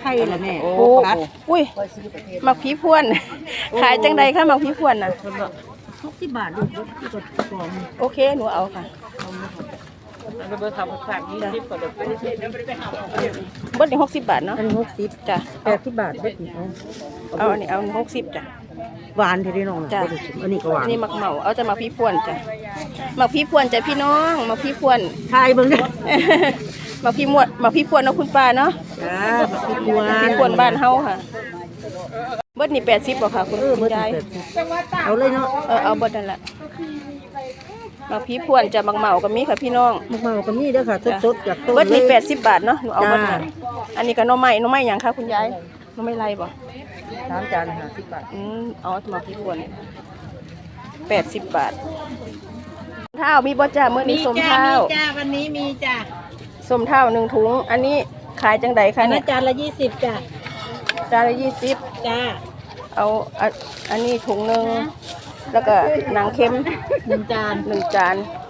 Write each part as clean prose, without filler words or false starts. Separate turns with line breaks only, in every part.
ข่ละแม่
โอ้อุ้ยหมักผีพวนขายจังใดคะหมักผีพวนน่ะ
60 บาทลูกที่กดกล่อง
โอเคหนูเอาค่ะ
เบอร์ขับฝาก20ก็ได้
เบิดนี่60 บาทเนาะ
อัน60
จ้ะ
80 บาทเบิดนี่
เอาอันนี้เอา60จ้ะ
หวานเท่น้องจ้ะอันนี้ก็หวาน
นี่หมักเหมาเอาจะหมักผีพวนจ้ะหมักผีพวนจ้ะพี่น้องหมักผีพวน
ทายเบิ่งเด้อ
หมักผีมวดหมักผีพวนเนาะคุณป้าเนาะ
จ้าบักพวน
ผีพวนบ้านเฮาค่ะเบิดนี่80บ่ค่ะคุณยาย
เอาเลยเนาะ
เอาเบิดนั่นแหละหมักผีพวนจะหมักเหมาก็มีค่ะพี่น้อง
หมักเหมาก็มีเด้อค่ะสดๆจากต้น
เบิดนี่80 บาทเนาะหนูเอาเบิดน่ะอันนี้ก็หน่อไม้หยังคะคุณยายหน่อไม้ไรบ่
3 จาน50 บาท
เอาหมักผีพวน80 บาทเท้ามีบ่จ้ามื้อนี้ส้มเท้า
จ้าวันนี้มีจ้า
ส้มเท้า1 ถุงอันนี้ขายจังไดคะเนี่ย
จานละ20จ้า
จานละ20
จ้า
เอาอันนี้ถุงนึงแล้วก็หนังเค็ม
1 จาน
จ้า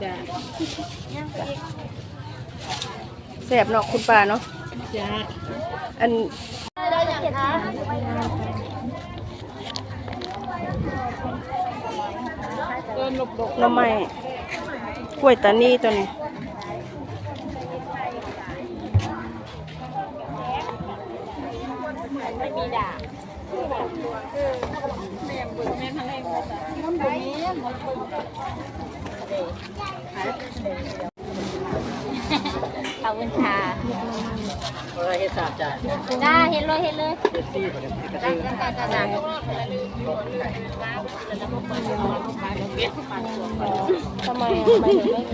แซ่บเนาะคุณป้าเนาะ
จ้า
อันหน่อไม้กล้วยตานีตัวนี้ไม่มีด่า
ขอบคุณค่ะ
เฮ็ด3 จาน
จ้าเห็นเลย
ทำไมถึงไม่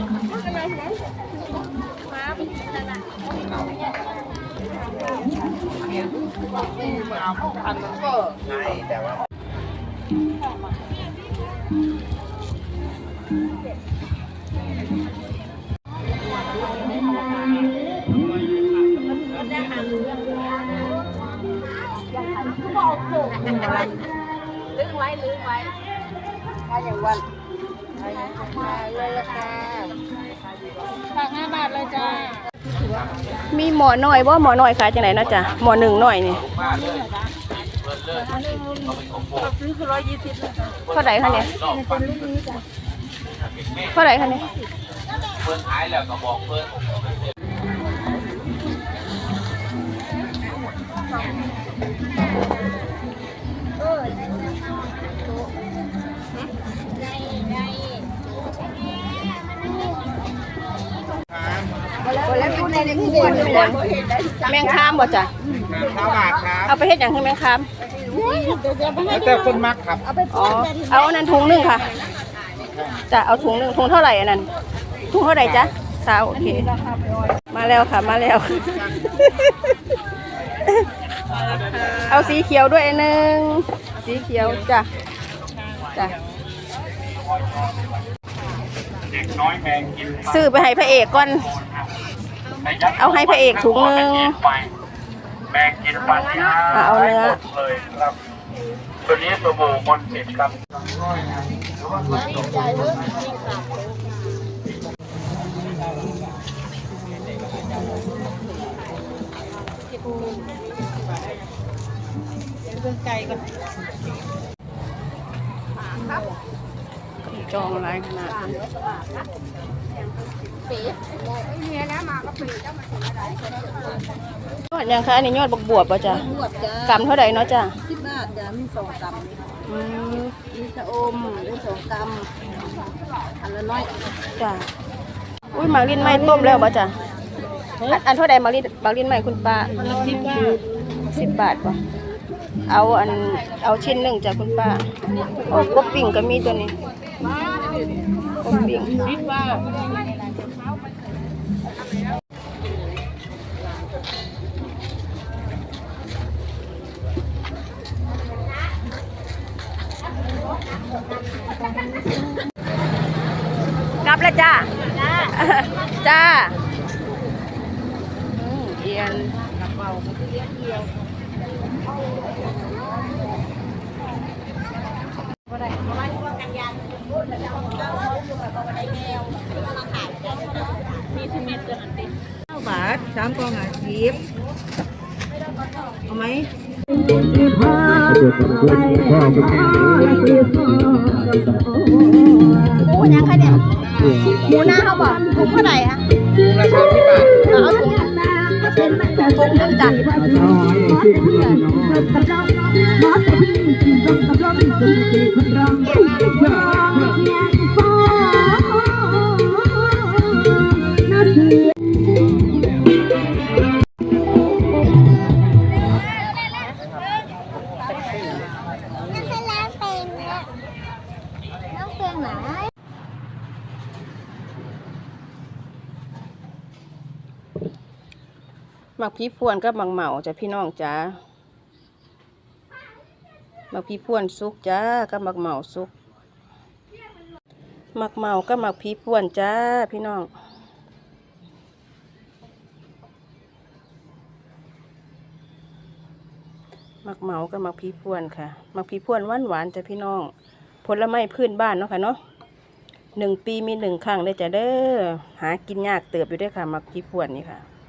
ลืมไว้ถ้าอย่างวันเลยละค่ะ
ฝาก5 บาทเลยจ้า
มีหมอหน่อยว่าหมอหน่อยขายจังไหนนะจ๊ะหมอ1หน่อยนี่เท่าไหร่คะเนี่ยเท่าไหร่คะเนี่ย
เพิ่นขายแล้วก็บอกเพิ่น
แมงคามบ่จ้ะ
5 บาทครับ
เอาไปเฮ็ดอย่างคือแมงคาม
แต่คนมักครับ
อ๋อเอาอันนั้นถุงนึงค่ะจะเอาถุงนึงถุงเท่าไหร่อันนั้นถุงเท่าไหร่จ๊ะโอเคมาแล้วค่ะมาแล้วเอาสีเขียวด้วยนึงสีเขียวจ้ะซื้อไปให้พระเอกก่อนเอาให้พระเอกถุงนึง
แมงกินฟันที่
เอาเนื้อ
เลยครับตัวนี้สบู่มนต์สิทธิ์ครับ
เป็นไก่ก่อน
จองอะไรขนาดยอดยังคะอันนี้ยอดบวบป่ะจ๊ะกำเท่าไหร่เนาะจ้ะ
10 บาทจ้ะมี2 กำมีชะอมมี2 กำอันละน้อย
จ้ะอุ้ยหมากลิ้นไหม้ต้มแล้วป่ะจ้ะอันเท่าไหร่หมากลิ้นไหม้คุณป้า10 บาทป่ะเอาชิ้นหนึ่งจากคุณป้าโอ้กบปิ่งก็มีตัวนี้กบปิ่งกลับแล้วจ้าเอียน
มี10 เม็ดจ้ะ9 บาท3 กล่อง50 เอาไหม
หมูยังคะเนี่ยหมูหน้าเขาบอกถุงเท่าไหร่คะถุงละ30 บาทเอาถุงนึงจ้ะหมักพริกพวนกับหมักเหมาจ้ะพี่น้องจ้าหมักพริกพวนสุกจ้ากับหมักเหมาสุกหมักเหมากับหมักพริกพวนจ้าพี่น้องหมักเหมากับหมักพริกพวนค่ะหมักพริกพวนหวานๆจ้ะพี่น้องผลไม้พื้นบ้านเนาะค่ะเนาะ1 ปีมี1 ครั้งได้จ้ะเด้อหากินยากเติบอยู่ด้วยค่ะหมักพริกพวนนี่ค่ะ